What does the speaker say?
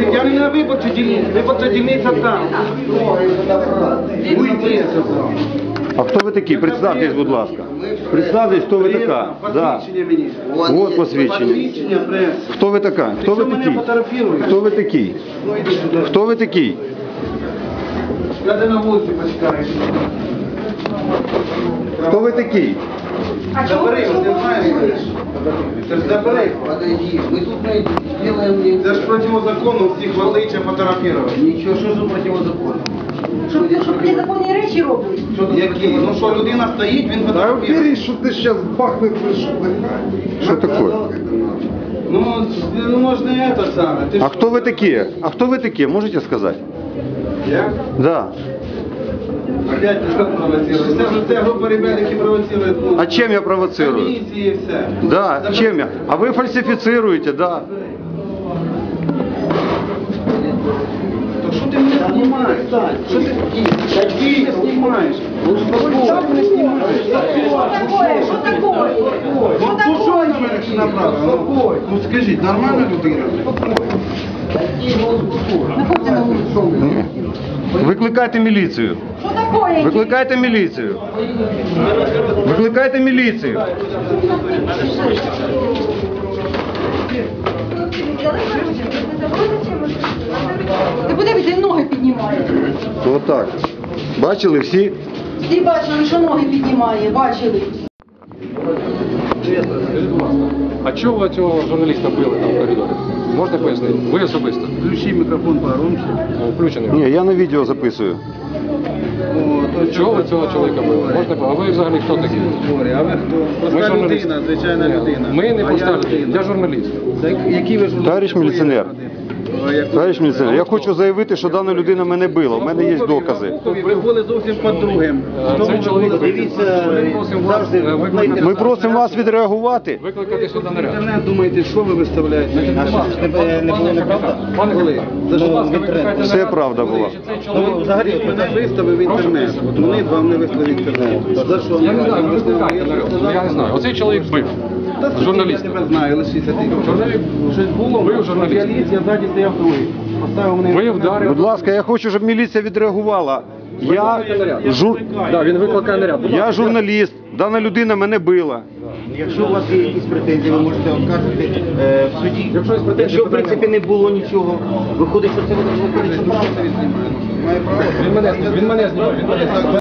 Я не на виборчій дільниці, виборча дільниця там. Уйди. А хто ви такі? Представтесь, будь ласка. Представтесь, хто ви така. Да. Посвідчення мені. Вот посвідчення. Посвідчення, прес. Хто ви така? Хто ви Ти що мене такий? фотографіруєш? Хто ви такий? Ну іди сюди. Хто ви такий? Я тебе на вулиці почекаю. Хто ви такий? Забери, от ти знаєш. Це ж забери. Подойди, мы тут делаем... Це ж противозаконно всіх валича фотографувати. Ничего, что за противозаконно? Щоб незаконні речі роблять. Які? Ну що, людина стоїть, він фотографує. что ты сейчас бахнешь, Що таке? Ну можна і це саме. Ти А ж- хто ви такі? А хто ви такі? Можете сказати? Я? Да. Опять ти що провоцируєш? Це група ребят, які провоцирують. Ну, А чим я провоцирую? Комісії і все. Да, чем я? А вы фальсифицируете, да. То що ти мене знімаєш? Що ти мене знімаєш? Ну що ти мене знімаєш? Що такое? Ну що на мене направили? Ну скажіть, нормальна людина? Находьте на вулицю. Викликайте міліцію. Що такое? Викликайте міліцію. Викликайте міліцію. Ти подивись, він ноги піднімає. Отак. Бачили всі? Всі бачили, що ноги піднімає, бачили. А чого ви цього журналіста били там в коридорі? Можна пояснити? Ви особисто? Включи мікрофон погромче. Включений. Ні, я на відео записую. Чого ви цього чоловіка били? Можна А ви взагалі хто такий? А ви хто? Ми Проста журналісти. людина, звичайна Ні, людина. Ми не А проста я людина. Я журналіст. Які ви журналісти? Товариш міліціонер. Як- Товариш міліціонер, я хочу заявити, що дана людина мене била. У мене є докази. Ви були зовсім під другим. Цей чоловік Дивіться, завжди Ми просимо вас відреагувати. викликати сюди наряд. Інтернет думаєте, що ви виставляєте? не було неправда? Пане Коли, За що? будь ласка, викликайте Все наряд. правда була. Цей чоловік... Взагалі, от мене виставив в інтернет. От вони вам не виставили в інтернет. За що? Я не знаю, ви викликайте наряд. Я не знаю. Оцей чоловік бив. Журналіст. Я тебе знаю, лишися ти. Журналіст. Щось було, Ви журналіст. Я ліз, я ззаді стояв другий. Поставив мене. Ви вдарили. Будь ласка, я хочу, щоб міліція відреагувала. Він викликає наряд. Я журналіст, дана людина мене била. Якщо у вас є якісь претензії, ви можете оскаржити в суді. Якщо є претензії, Якщо в принципі не було нічого, виходить, що це виходить, що правда. Має право. Він мене знімав.